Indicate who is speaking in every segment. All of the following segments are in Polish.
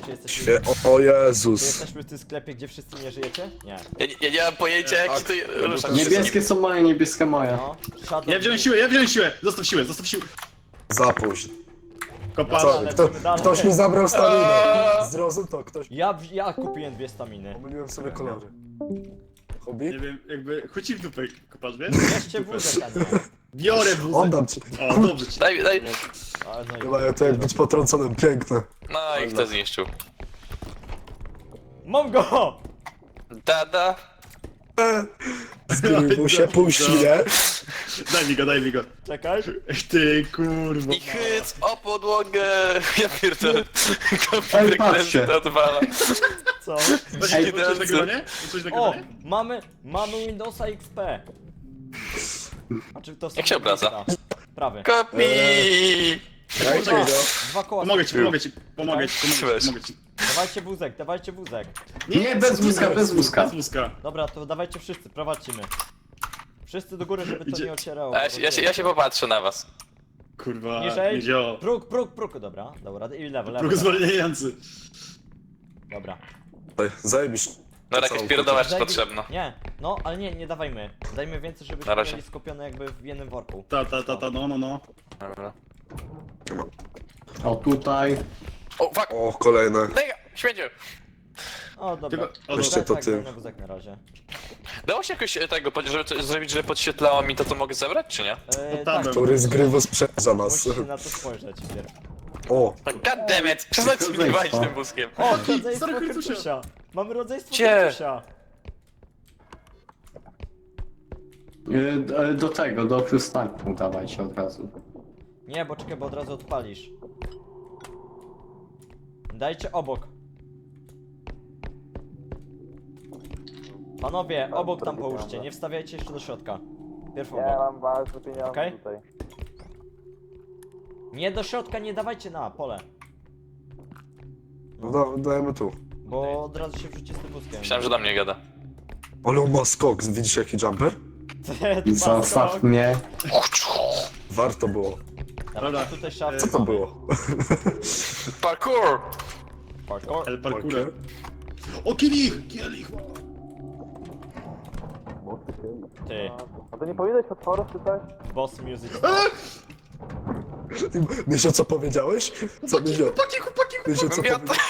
Speaker 1: czy jesteśmy...
Speaker 2: O
Speaker 1: Czy
Speaker 2: Jezus.
Speaker 1: jesteśmy w tym sklepie, gdzie wszyscy nie żyjecie? Nie.
Speaker 3: Ja nie mam pojęcia jak się to rusza.
Speaker 4: Niebieskie są moje, niebieskie moje.
Speaker 1: No, Shadow...
Speaker 5: Ja wziąłem siłę! Zostaw siłę!
Speaker 2: Za późno.
Speaker 5: Kopa.
Speaker 2: Co?
Speaker 1: lecimy dalej.
Speaker 2: Ktoś mi zabrał staminę. Zrozum to, ktoś...
Speaker 1: Ja kupiłem 2 staminy.
Speaker 2: Pomyliłem sobie kolory. Hobby?
Speaker 5: Nie wiem, jakby... Chodź ci w dupę, kopasz, wiesz?
Speaker 1: Jeszcze wózek, a nie.
Speaker 5: Biorę wózek.
Speaker 2: Oddam ci.
Speaker 5: O, dobrze ci.
Speaker 3: Daj.
Speaker 1: Ale no i...
Speaker 2: Chyba to jak być potrąconym, piękne.
Speaker 3: No i kto zniszczył?
Speaker 1: Mam go!
Speaker 3: Dada.
Speaker 2: Zgrył mu się, puści, nie?
Speaker 5: Daj mi go.
Speaker 1: Czekaj.
Speaker 5: Ty kurwa.
Speaker 3: I chyc o podłogę. Ja pierdolę.
Speaker 4: Ej,
Speaker 3: Komputer
Speaker 4: patrzcie.
Speaker 3: klęczy to odwala.
Speaker 1: Co?
Speaker 5: Ej, coś nagrywanie? Coś
Speaker 1: O!
Speaker 5: nagrywanie?
Speaker 1: Mamy Windowsa XP. A czy to
Speaker 3: Jak się obraca?
Speaker 1: Prawy.
Speaker 3: Kopi.
Speaker 2: Dajcie
Speaker 5: Czekaj.
Speaker 2: go.
Speaker 1: 2 koła.
Speaker 5: Pomogę ci.
Speaker 3: Weź.
Speaker 1: Dawajcie wózek.
Speaker 4: Nie, bez wózka, bez wózka.
Speaker 5: Bez wózka.
Speaker 1: Dobra, to dawajcie wszyscy, prowadźcie mnie. Wszyscy do góry, żeby to
Speaker 5: Idzie.
Speaker 1: nie ocierało.
Speaker 3: Ja się popatrzę na was.
Speaker 5: Kurwa,
Speaker 1: Niżej.
Speaker 5: nie działa.
Speaker 1: Próg, dobra, i lewo.
Speaker 5: Próg zwalniający.
Speaker 1: Dobra.
Speaker 2: Zajebiście.
Speaker 3: No jakaś pierdoła jest potrzebna.
Speaker 1: Nie, no, ale nie dawajmy. Dajmy więcej,
Speaker 3: Na
Speaker 1: żebyśmy
Speaker 3: razie.
Speaker 1: mieli skupione jakby w jednym worku.
Speaker 5: No.
Speaker 3: Dobra.
Speaker 4: O, tutaj.
Speaker 3: O, fuck!
Speaker 2: O, kolejne.
Speaker 3: Daj go! Śmieciu!
Speaker 1: O, dobra.
Speaker 5: Tylko- o,
Speaker 2: Weźcie
Speaker 1: Tak,
Speaker 2: to
Speaker 1: tak,
Speaker 2: ty.
Speaker 1: daj na wózek na razie.
Speaker 3: Dało się jakoś tego, żeby zrobić, że podświetlało mi to, co mogę zebrać, czy nie?
Speaker 5: tam
Speaker 1: Tak,
Speaker 5: był.
Speaker 2: Który z gry sprzedza nas.
Speaker 1: musicie na to spojrzeć pierw.
Speaker 2: O,
Speaker 3: God damn it! Przestańcie mi walić tym wózkiem.
Speaker 1: O, rodzeństwo
Speaker 5: Stary
Speaker 1: Hercusia! Mamy rodzeństwo
Speaker 3: Gdzie?
Speaker 1: Hercusia!
Speaker 4: Do tego, do przystanku dawajcie od razu.
Speaker 1: Nie, bo czekaj, bo od razu odpalisz. Dajcie obok. Panowie, obok tam połóżcie, nie wstawiajcie jeszcze do środka. Pierw obok.
Speaker 6: mam bardzo pieniądze
Speaker 1: Okej?
Speaker 6: tutaj.
Speaker 1: Nie do środka, nie dawajcie na pole.
Speaker 2: no dajemy tu.
Speaker 1: Bo od razu się wrzuci z tym wózkiem.
Speaker 3: Myślałem, że do mnie gada.
Speaker 2: Ale on ma skok, widzisz jaki jumper?
Speaker 4: Zostaw mnie.
Speaker 2: Warto było.
Speaker 1: Dobra, tutaj szafę.
Speaker 2: Co to było?
Speaker 3: Parkour!
Speaker 1: Parkour.
Speaker 5: El parkour. O, kielich!
Speaker 1: Ty,
Speaker 6: A to nie powinieneś potworów czy coś?
Speaker 1: boss music.
Speaker 2: Mysio, co powiedziałeś? Co Mysio?
Speaker 5: Chłopaki!
Speaker 2: Mysio, co
Speaker 3: Ja
Speaker 2: powiedziałeś?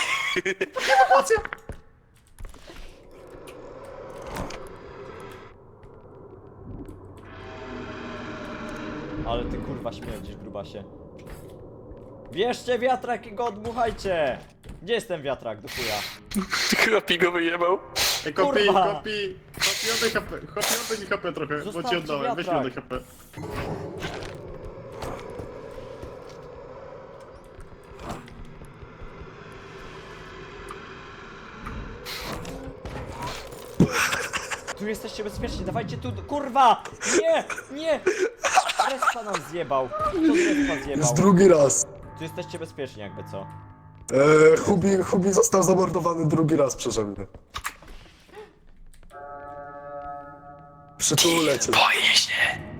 Speaker 1: Ale ty kurwa śmierdzisz, grubasie. Bierzcie wiatrak i go odmuchajcie! Gdzie jest ten wiatrak, do chuja?
Speaker 3: Chłopi go wyjebał.
Speaker 5: Ej, kopi!
Speaker 1: Kurwa.
Speaker 5: Kopi, oddaj HP. Kopi, oddaj mi HP trochę, bo ci
Speaker 1: Zostawcie
Speaker 5: oddałem. Weź mi
Speaker 1: wiatrak.
Speaker 5: oddaj HP.
Speaker 1: Tu jesteście bezpieczni, dawajcie tu, kurwa! Nie! Respa nam zjebał. Kto z respa
Speaker 2: Jest
Speaker 1: zjebał?
Speaker 2: drugi raz.
Speaker 1: Tu jesteście bezpieczni jakby co.
Speaker 2: Hubi został zamordowany drugi raz przeze mnie. Przytulę cię.
Speaker 3: Boję się.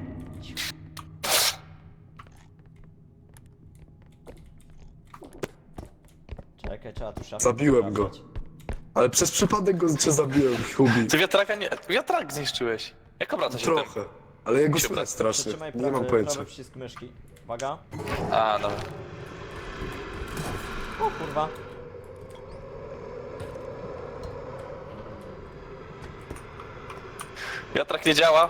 Speaker 1: Czekaj, trzeba tu szafę
Speaker 2: Zabiłem go.
Speaker 1: sprawdzać.
Speaker 2: Ale przez przypadek go cię zabiłem, Hubi.
Speaker 3: Ty wiatraka nie... Wiatrak zniszczyłeś. Jak obraca się tym?
Speaker 2: Trochę. Ale jego
Speaker 3: się
Speaker 2: słychać strasznie.
Speaker 1: Przytrzymaj
Speaker 2: Nie mam
Speaker 1: prawy,
Speaker 2: pojęcia.
Speaker 1: prawy przycisk myszki. Uwaga.
Speaker 3: A, no.
Speaker 1: O kurwa.
Speaker 3: Wiatrak nie działa.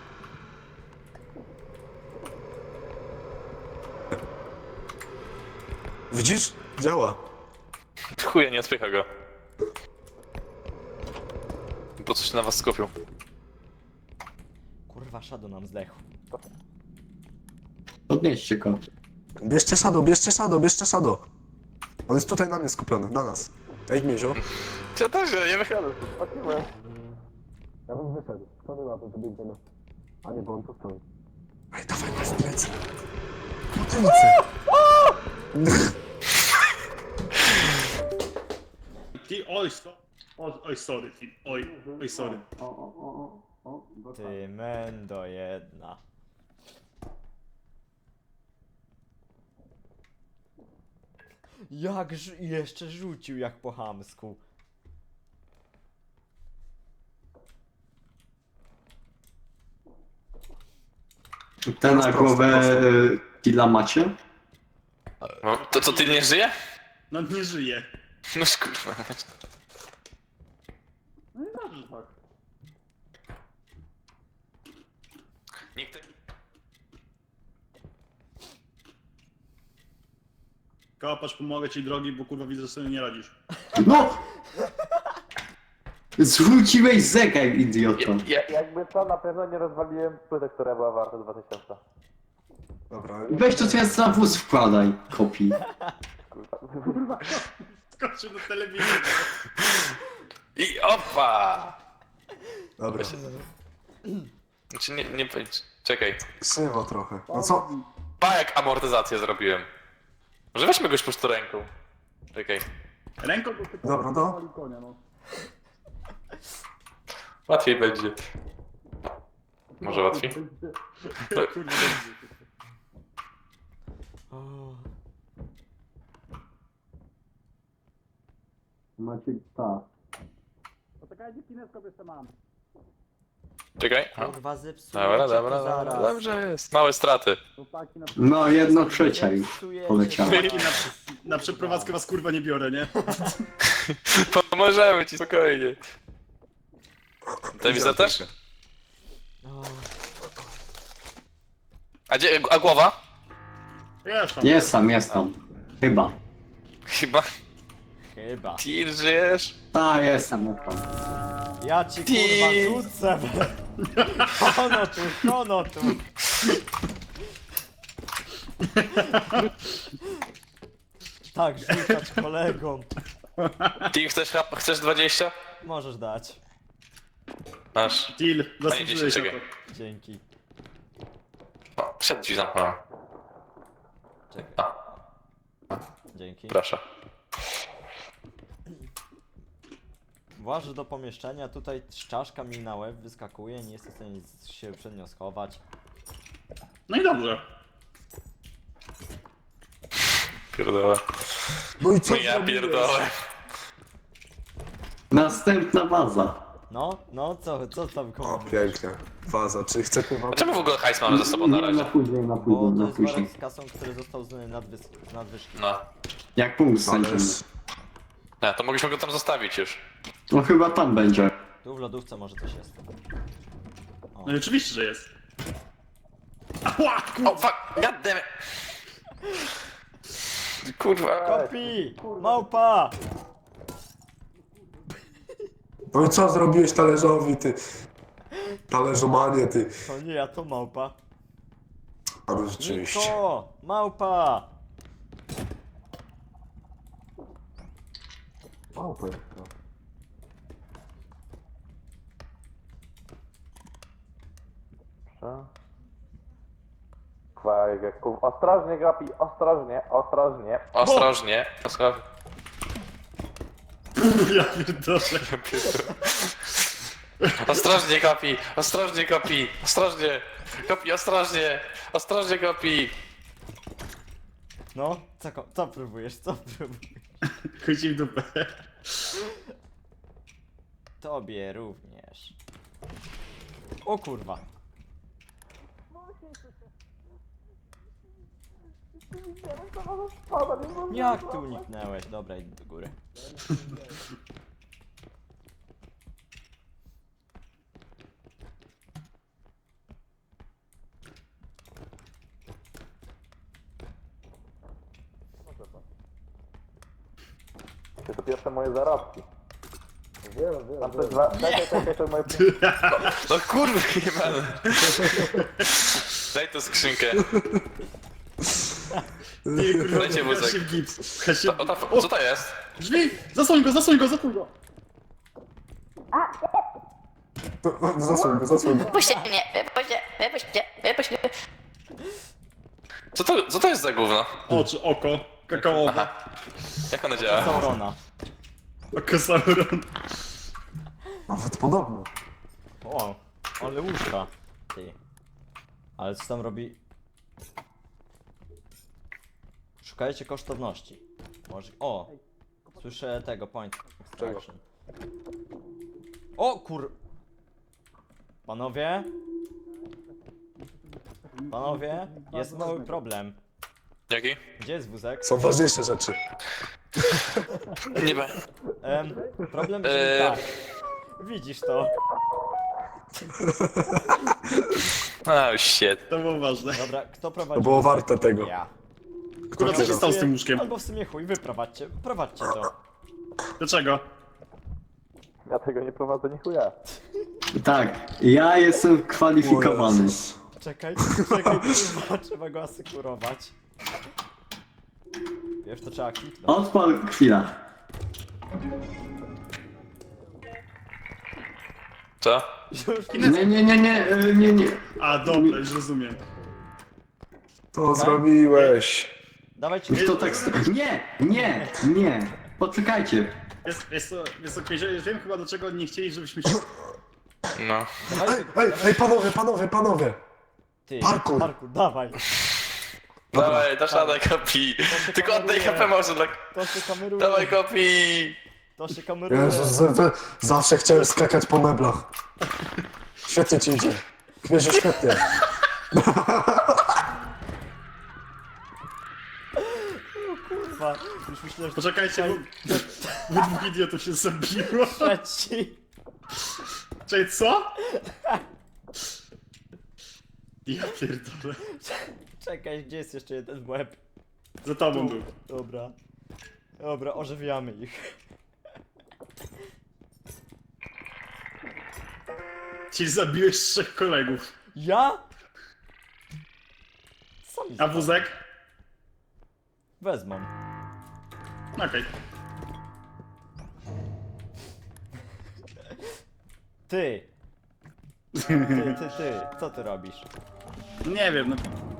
Speaker 2: Widzisz? Działa.
Speaker 3: Chuja, nie odpycha go. Po co się na was skupił?
Speaker 1: Kurwa, Shadow nam zdechł.
Speaker 4: Podnieście go.
Speaker 2: Bierzcie Shadow. On jest tutaj na mnie skupiony, na nas. Ej, Miezio.
Speaker 3: Ja też nie wychodzę.
Speaker 2: Ja bym wyszedł. Co my mamy, żeby idziemy? A nie, bo on tu stoi. Ej, dawaj go w plecy. Po tyłce.
Speaker 5: Ty, oj, sorry, ty, oj, sorry.
Speaker 1: Ty mendo jedna. Jak jeszcze rzucił jak po chamsku.
Speaker 4: Ten na głowę killa macie?
Speaker 3: No, to co, ty nie żyje?
Speaker 5: No nie żyje.
Speaker 3: No kurwa.
Speaker 5: No i dobrze tak.
Speaker 3: Nikt...
Speaker 5: Kapacz, pomogę ci drogi, bo kurwa widzę, że sobie nie radzisz.
Speaker 4: No! Zwróciłeś zegar, idioto.
Speaker 6: Jakby co, na pewno nie rozwaliłem płyty, która była warta 2000.
Speaker 2: Dobra,
Speaker 4: Weź to teraz na wóz wkładaj, kopii.
Speaker 6: Kurwa.
Speaker 5: Skoczył na telewizję.
Speaker 3: I opa!
Speaker 2: dobra.
Speaker 3: Znaczy nie powiedz. Czekaj.
Speaker 2: Sywo trochę. No co?
Speaker 3: Pa jak amortyzację zrobiłem. Może weźmy go już po prostu ręką. Czekaj.
Speaker 5: Ręką do typu.
Speaker 2: Dobra, no.
Speaker 5: konia, no.
Speaker 3: Łatwiej będzie. Może łatwiej?
Speaker 5: Kurwa, dobrze.
Speaker 1: O,
Speaker 4: Macie tak.
Speaker 5: Poczekajcie, kineskop jeszcze mam.
Speaker 3: Czekaj. O.
Speaker 1: kurwa zepsuję
Speaker 3: Dobra,
Speaker 1: cię
Speaker 3: dobra,
Speaker 1: to
Speaker 3: dobra.
Speaker 1: zaraz.
Speaker 3: Dobrze jest. Małe straty.
Speaker 5: Chłopaki na,
Speaker 4: No, 1/3 już
Speaker 1: Zepsujecie
Speaker 4: poleciało.
Speaker 1: to
Speaker 5: chłopaki
Speaker 1: zaraz.
Speaker 5: na przeprowadzkę was kurwa nie biorę, nie?
Speaker 3: Pomożemy ci spokojnie. Telewizor też?
Speaker 1: O,
Speaker 3: A głowa?
Speaker 5: Jest tam.
Speaker 4: Jest tam. Chyba.
Speaker 3: Chyba.
Speaker 1: chyba.
Speaker 3: Tir, żyjesz?
Speaker 4: Ta, jestem tam.
Speaker 1: Ja ci
Speaker 3: Ty.
Speaker 1: kurwa rzucę. Kono tu. Tak, rzucać kolegom.
Speaker 3: Ty chcesz 20?
Speaker 1: Możesz dać.
Speaker 3: Masz.
Speaker 5: Deal,
Speaker 3: Panie
Speaker 5: zasłużyłeś na to.
Speaker 3: czekaj.
Speaker 1: Dzięki.
Speaker 3: O, przed drzwi zamknąłem.
Speaker 1: Czekaj.
Speaker 3: A,
Speaker 1: Dzięki.
Speaker 3: proszę.
Speaker 1: Włażę do pomieszczenia, tutaj czaszka mi na łeb wyskakuje, nie jestem w stanie się przed nią schować.
Speaker 5: No i dobrze.
Speaker 3: Pierdolę.
Speaker 2: No i co
Speaker 3: No ja
Speaker 2: zrobiłeś?
Speaker 3: pierdolę.
Speaker 4: Następna baza.
Speaker 1: No, co tam
Speaker 2: O,
Speaker 1: komu?
Speaker 2: pięknie. Faza, czy chcecie wam...
Speaker 3: A czemu w ogóle hajs mamy ze sobą na
Speaker 4: Nie,
Speaker 3: razie?
Speaker 4: na później, na
Speaker 1: Bo
Speaker 4: później,
Speaker 1: to
Speaker 4: na
Speaker 1: jest
Speaker 4: później.
Speaker 1: worek z kasą, który został z nadwyżki.
Speaker 3: No.
Speaker 4: Jak punkt
Speaker 2: Ale...
Speaker 4: znajdziemy.
Speaker 3: Nie, to mogliśmy go tam zostawić już.
Speaker 4: No chyba tam będzie.
Speaker 1: Tu w lodówce może coś jest. O.
Speaker 5: No i oczywiście, że jest. Ała!
Speaker 3: O, fuck! Goddammit! Kurwa.
Speaker 1: Kopi! Małpa!
Speaker 2: No i co zrobiłeś talerzowi, ty? Talerzomanie, ty.
Speaker 1: To nie ja, to małpa.
Speaker 2: Ale rzeczywiście.
Speaker 1: Niko! Małpa!
Speaker 2: Małpy.
Speaker 6: Ostrożnie, Gapi, ostrożnie, ostrożnie.
Speaker 3: Ostrożnie. Ostrożnie.
Speaker 5: Ja pierdolę.
Speaker 3: Ostrożnie, Kopi! Ostrożnie, Kopi! Ostrożnie! Kopi, ostrożnie! Ostrożnie, Kopi!
Speaker 1: No, co próbujesz, co próbujesz?
Speaker 5: Chodź w dupę.
Speaker 1: Tobie również. O kurwa. Jak ty uniknęłeś? Dobra, idę do góry.
Speaker 6: To pierwsze moje zarobki. Tam coś czekaj, to moje...
Speaker 3: No kurwa, nie będę. Daj tę skrzynkę.
Speaker 5: Nie, kurwa,
Speaker 3: Dajcie
Speaker 5: pchasz
Speaker 3: wózek.
Speaker 5: się w gips. Pchasz się
Speaker 3: Co to jest?
Speaker 5: Drzwi! Zasłoń go, zasłoń go, zasłoń go!
Speaker 2: Zasłoń go.
Speaker 7: Wypuśćcie mnie, wypuśćcie.
Speaker 3: Co to jest za gówno?
Speaker 5: Oczy, oko, kakaowe,
Speaker 3: Aha. Jak ono działa?
Speaker 1: Saurona.
Speaker 5: oko Sauron.
Speaker 2: Nawet podobno.
Speaker 1: O, ale łóżka. Ty. Ale co tam robi? Szukajcie kosztowności. Może... O! Słyszę tego, point extraction. O kur... Panowie? Panowie? Jest mały problem.
Speaker 3: Jaki?
Speaker 1: Gdzie jest wózek?
Speaker 8: Są ważniejsze rzeczy.
Speaker 3: Nie ma.
Speaker 1: Problem brzmi tak. Widzisz to.
Speaker 3: Oh shit.
Speaker 5: To było ważne.
Speaker 1: Dobra, kto prowadzi?
Speaker 8: To było
Speaker 1: wózek?
Speaker 8: warte tego.
Speaker 1: Ja.
Speaker 5: Kurwa, co się stało z tym łóżkiem?
Speaker 1: Albo w sumie chuj, wyprowadźcie. Prowadźcie to.
Speaker 5: Dlaczego?
Speaker 6: Ja tego nie prowadzę, nie chuja.
Speaker 4: Tak, ja jestem kwalifikowany.
Speaker 1: Czekaj, kurwa, trzeba go asekurować. Wiesz, to trzeba kliknąć.
Speaker 4: Odpal chwila.
Speaker 3: Co?
Speaker 4: Nie.
Speaker 5: A, dobra, już rozumiem.
Speaker 8: To zrobiłeś.
Speaker 1: Dawajcie.
Speaker 4: Kto tak... Nie. Poczekajcie.
Speaker 5: Jest okej, że już wiem chyba do czego nie chcieli, żebyśmy się...
Speaker 3: No.
Speaker 8: Ej, panowie!
Speaker 1: Ty,
Speaker 8: parkour.
Speaker 1: dawaj.
Speaker 3: Dawaj, dasz radę, kopi. Tylko oddaj HP może dla...
Speaker 1: To się kameruje.
Speaker 3: Dawaj, kopi.
Speaker 1: To się kameruje.
Speaker 8: Jezus, zawsze chciałem skakać po meblach. Świetnie ci idzie. Kmierzu, świetnie.
Speaker 1: Kurwa, już myślę, że
Speaker 5: Poczekajcie, bo dwóch idiotów się zabiło.
Speaker 1: trzeci.
Speaker 5: Czekaj, co? Ja pierdolę.
Speaker 1: Czekaj, gdzie jest jeszcze jeden łeb?
Speaker 5: Za tobą był.
Speaker 1: Dobra. Dobra, ożywiamy ich.
Speaker 5: Ci zabiłeś 3 kolegów.
Speaker 1: Ja? Co mi
Speaker 5: A wózek?
Speaker 1: wezmą.
Speaker 5: Okej.
Speaker 1: Ty, co ty robisz?
Speaker 5: Nie wiem, no.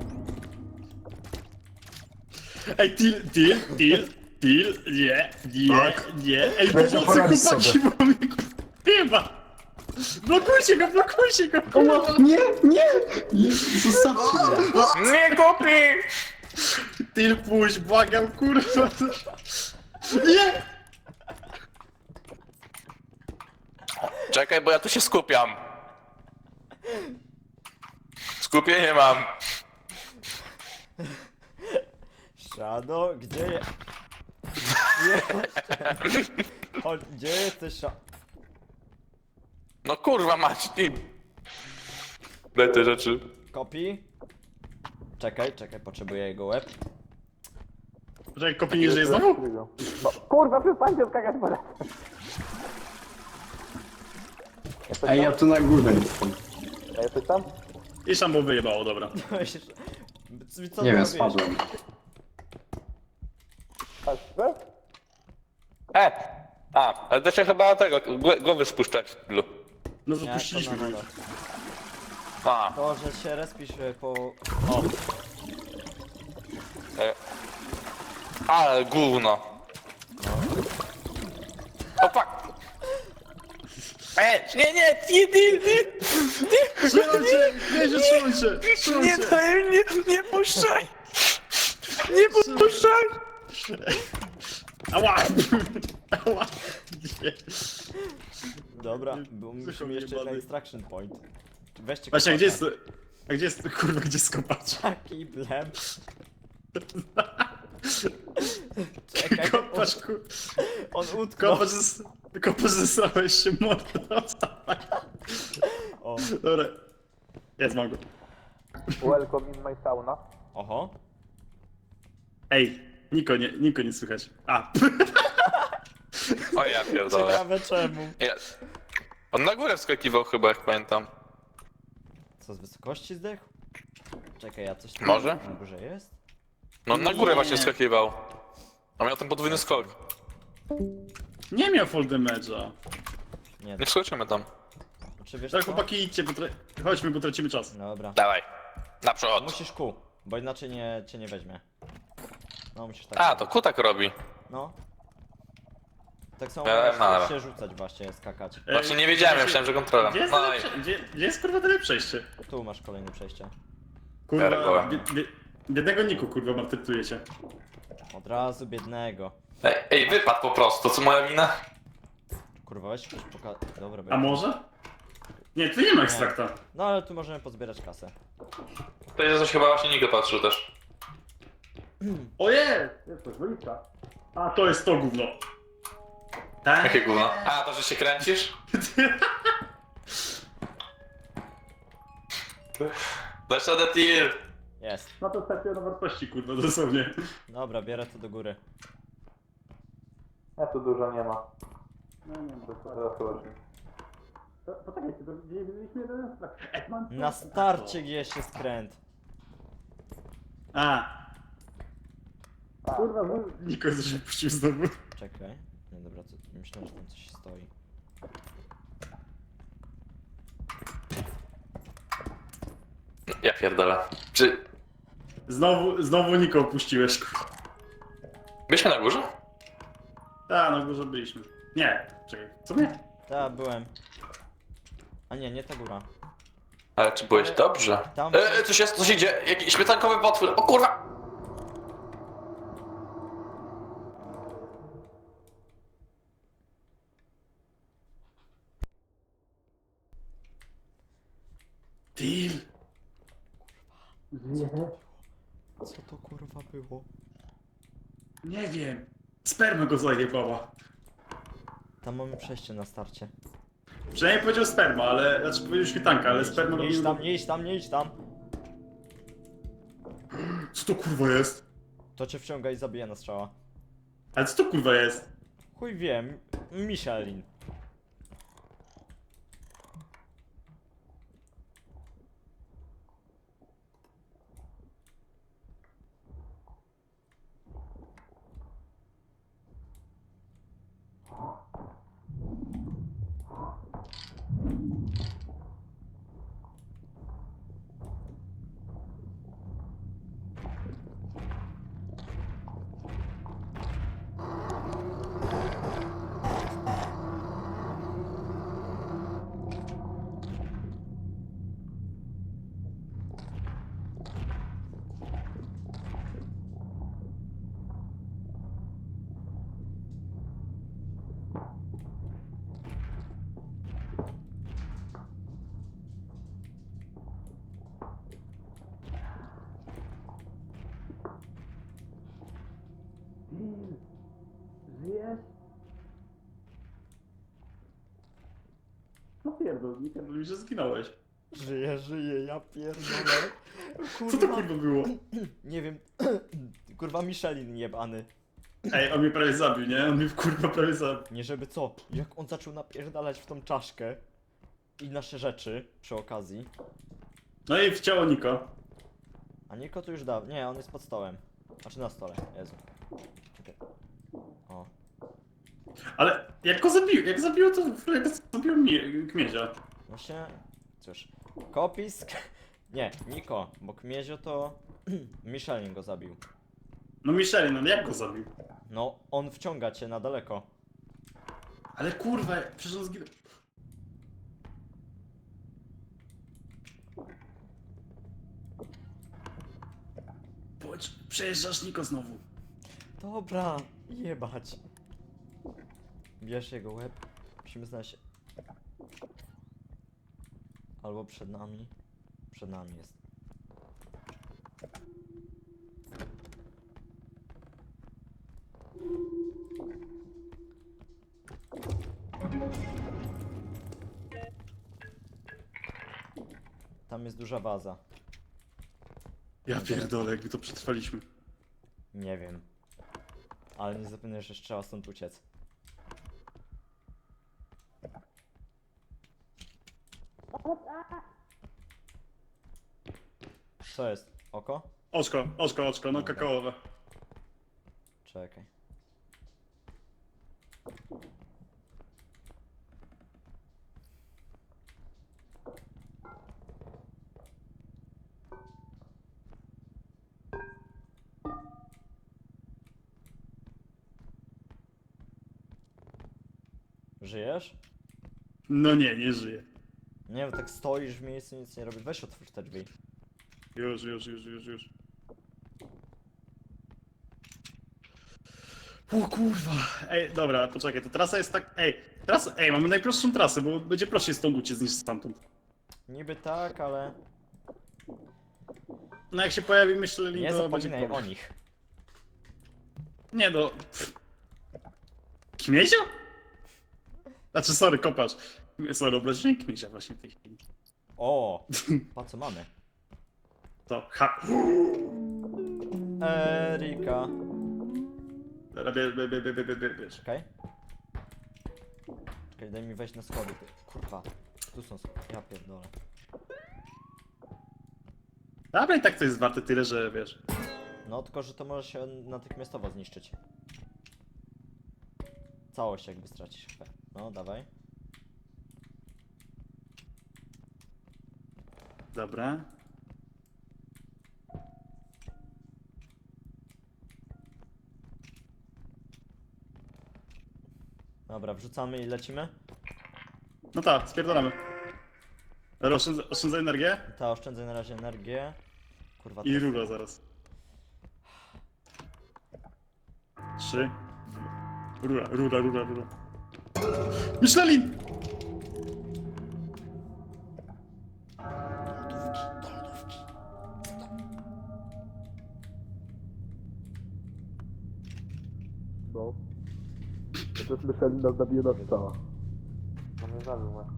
Speaker 5: Ej, Til, nie. Ej,
Speaker 8: Będzie
Speaker 5: pomocy
Speaker 8: poradzić
Speaker 5: chłopaki,
Speaker 8: sobie.
Speaker 5: bo mnie chyba. Blokujcie go!
Speaker 4: Nie! Zostawcie mnie.
Speaker 3: Nie, kopi.
Speaker 5: Til, puść, błagam, kurwa. Nie!
Speaker 3: Czekaj, bo ja tu się skupiam. Skupienie mam.
Speaker 1: Shadow, gdzie je... Chodź, gdzie jesteś,
Speaker 3: No kurwa mać, ty. Daj te rzeczy.
Speaker 1: Kopi? Czekaj, potrzebuję jego łeb.
Speaker 5: Poczekaj, kopi nie żyje znowu?
Speaker 6: No, kurwa, przestańcie skakać po raz.
Speaker 4: Ej, ja tu na górę jestem.
Speaker 6: A jesteś tam?
Speaker 5: I szambo wyjebało, dobra.
Speaker 1: Co
Speaker 4: Nie
Speaker 1: ty
Speaker 4: wiem,
Speaker 1: robisz?
Speaker 4: spadłem.
Speaker 6: Tak,
Speaker 3: Ale to się chyba tego, głowy spuszczać. Lu.
Speaker 5: No
Speaker 1: Nie,
Speaker 5: zapuściliśmy
Speaker 1: to
Speaker 5: go
Speaker 1: na
Speaker 5: już.
Speaker 3: A,
Speaker 1: To, że się respisz po... O,
Speaker 3: ale gówno. O fuck. Nie,
Speaker 5: Trzymaj się! Trzymaj się! Trzymaj
Speaker 3: nie
Speaker 5: się!
Speaker 3: daj mnie, nie puszczaj. Nie puszczaj.
Speaker 5: Ała! Ała! Nie.
Speaker 1: dobra, bo musimy
Speaker 5: Słyszał
Speaker 1: jeszcze
Speaker 5: jebany.
Speaker 1: na extraction point. Weźcie
Speaker 5: Właśnie,
Speaker 1: kopacza.
Speaker 5: a gdzie jest, kurwa, gdzie jest kopacz?
Speaker 1: Taki blem. Czekaj,
Speaker 5: Kopacz,
Speaker 1: on utknął.
Speaker 5: kopacz zesrałeś się mordo.
Speaker 1: O,
Speaker 5: Dobra. Jest, mam go.
Speaker 6: welcome in my sauna.
Speaker 1: oho.
Speaker 5: Ej, Niko nie słychać. A,
Speaker 3: O ja pierdolę.
Speaker 1: Ciekawe czemu.
Speaker 3: Jest. On na górę wskakiwał chyba, jak pamiętam.
Speaker 1: Co, z wysokości zdechł? Czekaj, ja coś tam...
Speaker 3: Może?
Speaker 1: Na górze jest?
Speaker 3: No na górę właśnie wskakiwał. A miał ten podwójny skok.
Speaker 5: nie miał full damage'a.
Speaker 1: Nie,
Speaker 3: Nie wskoczymy tam.
Speaker 1: czy wiesz
Speaker 5: Tak,
Speaker 1: co?
Speaker 5: chłopaki, idźcie, chodźmy, bo tracimy czas.
Speaker 1: Dobra.
Speaker 3: Dawaj. Naprzód.
Speaker 1: Musisz kół, bo inaczej cię nie weźmie. No musisz tak.
Speaker 3: A, to kutak robi.
Speaker 1: No. Tak samo
Speaker 3: No,
Speaker 1: możesz
Speaker 3: dobra.
Speaker 1: się rzucać właśnie, skakać.
Speaker 3: Właśnie nie wiedziałem, ja myślałem, że kontrolem.
Speaker 5: Gdzie jest,
Speaker 3: No i...
Speaker 5: gdzie jest kurwa tyle przejście?
Speaker 1: Tu masz kolejne przejście.
Speaker 5: Kurwa,
Speaker 3: Pierdolę.
Speaker 5: biednego Niku, kurwa, maltretujecie.
Speaker 1: Od razu biednego.
Speaker 3: Ej, wypadł po prostu, co moja wina?
Speaker 1: Kurwa, weź coś Dobra,
Speaker 5: A
Speaker 1: będzie.
Speaker 5: może? Nie, tu nie ma ekstrakta.
Speaker 1: No ale tu możemy pozbierać kasę.
Speaker 3: To jest coś chyba właśnie Niko patrzył też.
Speaker 5: Ojej! Jest coś, wolitka. A, to jest to gówno. Tak?
Speaker 3: Jakie gówno? A, to, że się kręcisz? Dasz radę, Til.
Speaker 1: Jest.
Speaker 5: No to startuje na wartości, kurwa, dosłownie.
Speaker 1: Dobra, bierę to do góry.
Speaker 6: Ja tu dużo nie ma.
Speaker 5: No nie,
Speaker 6: Zaraz zobaczymy.
Speaker 5: Poczekajcie, to widzieliśmy jeden ekstrakt.
Speaker 1: Na starcie gdzieś jest skręt.
Speaker 5: A. Kurwa, Niko coś puścił znowu.
Speaker 1: Czekaj. No dobra, to myślałem, że tam coś stoi.
Speaker 3: Ja pierdolę. Czy...
Speaker 5: Znowu Niko opuściłeś.
Speaker 3: Byliśmy na górze?
Speaker 5: Tak, na górze byliśmy. Nie, czekaj, co nie?
Speaker 1: Tak, byłem. A nie ta góra.
Speaker 3: Ale czy byłeś dobrze?
Speaker 1: Tam-
Speaker 3: Coś jest, coś idzie. Jakiś śmietankowy potwór. O kurwa!
Speaker 5: Deal.
Speaker 1: Co to kurwa było?
Speaker 5: Nie wiem. Sperma go zajebała.
Speaker 1: Tam mamy przejście na starcie.
Speaker 5: Przynajmniej powiedział sperma, ale... Znaczy powiedział świetanka, ale sperma
Speaker 1: Nie idź
Speaker 5: robił...
Speaker 1: tam, nie idź tam, nie idź tam.
Speaker 5: Co to kurwa jest?
Speaker 1: To cię wciąga i zabija na strzała.
Speaker 5: Ale co to kurwa jest?
Speaker 1: Chuj wiem. Michelin.
Speaker 5: Żyjesz? No pierdol, nie pierdol mi, że zginąłeś.
Speaker 1: Żyję, ja pierdolę.
Speaker 5: Co to kurwa było?
Speaker 1: Nie wiem. Kurwa Michelin jebany.
Speaker 5: Ej, on mnie prawie zabił, nie? On mnie kurwa prawie zabił.
Speaker 1: Nie żeby co. Jak on zaczął napierdalać w tą czaszkę i nasze rzeczy przy okazji.
Speaker 5: No i w ciało Niko.
Speaker 1: A Niko tu już dał. Nie, on jest pod stołem. Znaczy na stole. Jezu. Czekaj. O.
Speaker 5: Ale jak go zabił, jak zabił Kmiezia.
Speaker 1: Właśnie. Cóż. Kopisk. Nie, Niko, bo Kmiezio to Michelin go zabił.
Speaker 5: No Michelin, no jak go zabił?
Speaker 1: No, on wciąga cię na daleko.
Speaker 5: Ale kurwa, przecież on zginął. Bądź, przejeżdżasz Niko znowu.
Speaker 1: Dobra, jebać. Bierz jego łeb. Musimy znaleźć... Albo przed nami. Przed nami jest. Tam jest duża waza.
Speaker 5: Ja pierdolę, jakby to przetrwaliśmy.
Speaker 1: Nie wiem. Ale nie zapomnę, że trzeba stąd uciec. Co jest? Oko?
Speaker 5: Oczko, no kakaowe.
Speaker 1: Czekaj. Żyjesz?
Speaker 5: No nie żyje.
Speaker 1: Nie wiem, tak stoisz w miejscu, nic nie robisz. Weź otwórz te drzwi.
Speaker 5: Już. O kurwa. Ej, dobra, poczekaj, to trasa jest tak... Ej, mamy najprostszą trasę, bo będzie prościej stąd uciec niż stamtąd.
Speaker 1: Niby tak, ale
Speaker 5: No jak się pojawi myśleli,
Speaker 1: nie
Speaker 5: to będzie
Speaker 1: zapominaj
Speaker 5: problem.
Speaker 1: o nich.
Speaker 5: Nie no... Kmiezio? Znaczy, sorry, kopacz. Sorry, obraziłem Kmiezia właśnie w tej chwili.
Speaker 1: O, pa co mamy?
Speaker 5: To,
Speaker 1: Erika.
Speaker 5: Dobra, bierz.
Speaker 1: Czekaj. Czekaj, daj mi wejść na schody. Kurwa. Tu są schody. Ja pierdolę.
Speaker 5: Dobra, i tak to jest warte tyle, że wiesz.
Speaker 1: No tylko, że to może się natychmiastowo zniszczyć. Całość jakby stracisz. No, dawaj.
Speaker 5: Dobra.
Speaker 1: Dobra, wrzucamy i lecimy.
Speaker 5: No tak, spierdolamy. Dobra, oszczędzaj energię
Speaker 1: Ta oszczędzaj na razie energię. Kurwa,
Speaker 5: i
Speaker 1: to...
Speaker 5: rura zaraz. 3. Rura. Michelin!
Speaker 2: No. To też myśleli, nas zabije na strzała.
Speaker 6: No mnie zabił, no.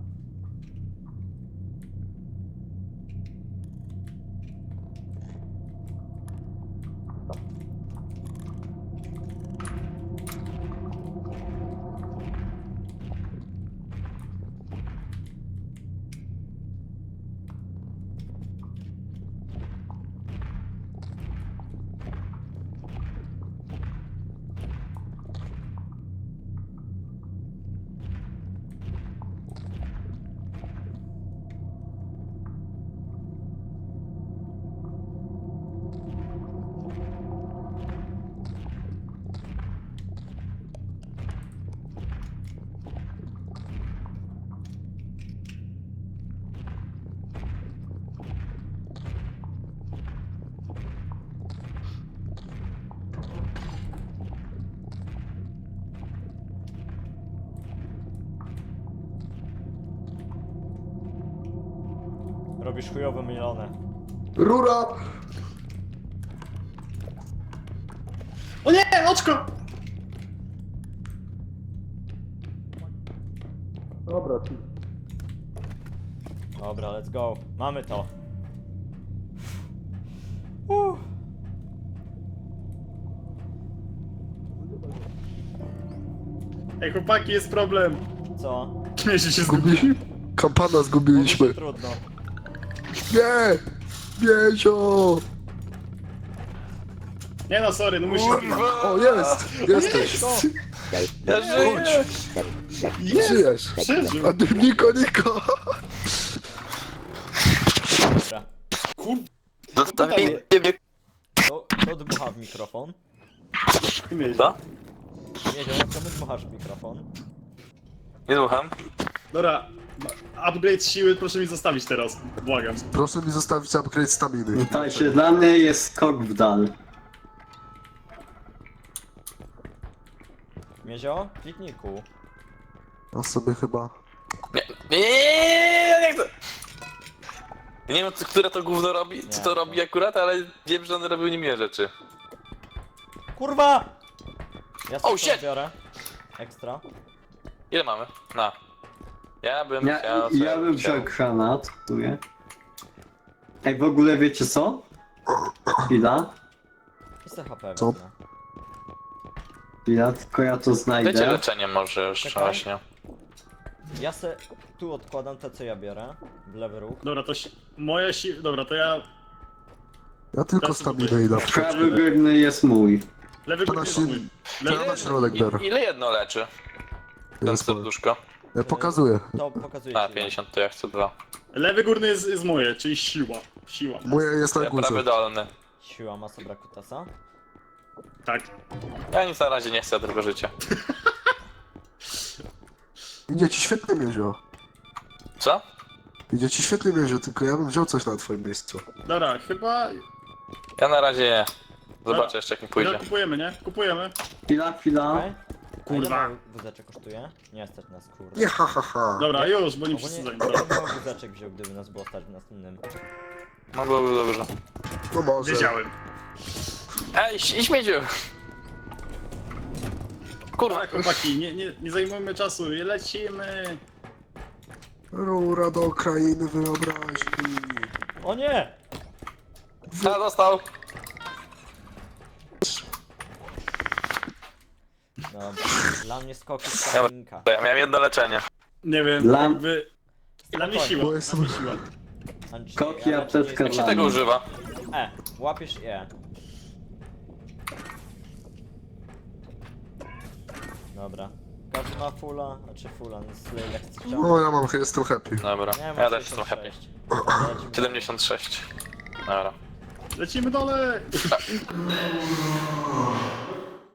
Speaker 1: Robisz chujowe milone.
Speaker 8: Rura!
Speaker 5: O nie, oczko!
Speaker 2: Dobra, ci.
Speaker 1: Dobra, let's go. Mamy to.
Speaker 5: Ej, chłopaki, jest problem.
Speaker 1: Co?
Speaker 5: Kmiezio się zgubił.
Speaker 8: Kampana
Speaker 1: Mówi
Speaker 8: zgubiliśmy.
Speaker 1: się trudno.
Speaker 8: Nie! Miezio!
Speaker 5: Nie no, sorry, no musisz...
Speaker 8: O, jest! Jesteś!
Speaker 3: Ja żyję!
Speaker 8: Żyjesz!
Speaker 5: Przeżył.
Speaker 8: A ty Niko!
Speaker 1: Dobra.
Speaker 3: Zostawienie mnie.
Speaker 1: To dmucha w mikrofon.
Speaker 5: Kmiezio.
Speaker 3: Co?
Speaker 1: Nie wiem, czemu dmuchasz w mikrofon?
Speaker 3: Nie słucham.
Speaker 5: Dobra, upgrade siły proszę mi zostawić teraz, błagam.
Speaker 8: Proszę mi zostawić upgrade staminy.
Speaker 4: Słuchajcie, dla mnie jest skok w dal.
Speaker 1: Miezio? Kliknij kół.
Speaker 8: Ja sobie chyba...
Speaker 3: Nie chcę. Nie wiem, które to gówno robi, co
Speaker 1: Nie.
Speaker 3: to robi akurat, ale wiem, że on robił nie mnie rzeczy.
Speaker 1: Kurwa! Ja
Speaker 3: Oh,
Speaker 1: sobie
Speaker 3: shit!
Speaker 1: biorę. Ekstra.
Speaker 3: Ile mamy? Na. Ja bym chciał...
Speaker 4: Ja bym wziął granat, tuję. Ej, w ogóle wiecie co? Chwila,
Speaker 1: I se HP
Speaker 8: Co?
Speaker 1: wezmę.
Speaker 4: chwila, tylko ja to
Speaker 3: Dajcie
Speaker 4: znajdę.
Speaker 3: leczenie może jeszcze
Speaker 1: Czekaj.
Speaker 3: właśnie.
Speaker 1: Ja se tu odkładam te, co ja biorę. W lewy róg.
Speaker 5: Dobra, to moja siła... Dobra, to ja...
Speaker 8: Ja tylko
Speaker 5: Teraz
Speaker 8: staminę i na
Speaker 4: Prawy górny jest mój.
Speaker 5: Lewy
Speaker 8: To
Speaker 5: górny
Speaker 8: na
Speaker 5: jest
Speaker 8: się-
Speaker 5: mój.
Speaker 8: Ja
Speaker 5: Lewy...
Speaker 8: na środek biorę.
Speaker 3: Ile jedno leczy? Ten
Speaker 8: Jest moje.
Speaker 3: serduszko.
Speaker 8: Pokazuję.
Speaker 1: To pokazuje
Speaker 3: A,
Speaker 1: ci.
Speaker 3: 50 to ja chcę 2.
Speaker 5: Lewy górny jest moje, czyli siła. Siła.
Speaker 8: Moje jest na
Speaker 3: Ja
Speaker 8: górze.
Speaker 3: prawy dolny.
Speaker 1: Siła masa Brakutasa.
Speaker 5: Tak.
Speaker 3: Ja nic na razie nie chcę, tylko życie.
Speaker 8: Idzie ci świetnie, Miezio.
Speaker 3: Co?
Speaker 8: Idzie ci świetnie, Miezio, tylko ja bym wziął coś na twoim miejscu.
Speaker 5: Dobra, chyba...
Speaker 3: Ja na razie nie. Zobaczę
Speaker 5: Dobra.
Speaker 3: jeszcze jak mi pójdzie.
Speaker 5: Kupujemy, nie? Kupujemy.
Speaker 4: Chwila.
Speaker 1: Okej?
Speaker 5: Kurwa.
Speaker 1: A ile wózeczek kosztuje? Nie stać nas, kurwa.
Speaker 8: Nie, ha, ha, ha.
Speaker 5: Dobra, już, bo nie wszyscy
Speaker 1: Ogólnie
Speaker 5: zanim.
Speaker 1: ja bym wózeczek wziął, gdyby nas było stać w następnym.
Speaker 3: No byłoby dobrze.
Speaker 8: No może.
Speaker 5: Wiedziałem.
Speaker 3: Ej, i śmieciu! Kurwa,
Speaker 5: Tak, chłopaki, nie zajmujmy czasu, lecimy.
Speaker 8: Rura do krainy wyobraźni.
Speaker 1: O nie!
Speaker 3: a dostał.
Speaker 1: Dobra, dla mnie skoki z Kalinka.
Speaker 3: To ja miałem jedno leczenie.
Speaker 5: Nie wiem,
Speaker 4: Dla-
Speaker 5: jakby... Dla mnie siła,
Speaker 8: Bo
Speaker 5: dla
Speaker 8: jestem-
Speaker 5: mnie siła.
Speaker 4: Skoki, apteczka
Speaker 3: Jak się
Speaker 4: dla
Speaker 3: tego
Speaker 4: mnie.
Speaker 3: używa?
Speaker 1: Łapiesz E. Dobra. Każdy ma fulla, znaczy fulla, no Slay jak strzał.
Speaker 8: No ja mam, jestem happy.
Speaker 3: Dobra,
Speaker 1: Nie,
Speaker 3: ja
Speaker 1: mam
Speaker 3: też jestem happy.
Speaker 1: 66.
Speaker 3: 76. Dobra.
Speaker 5: Lecimy dalej!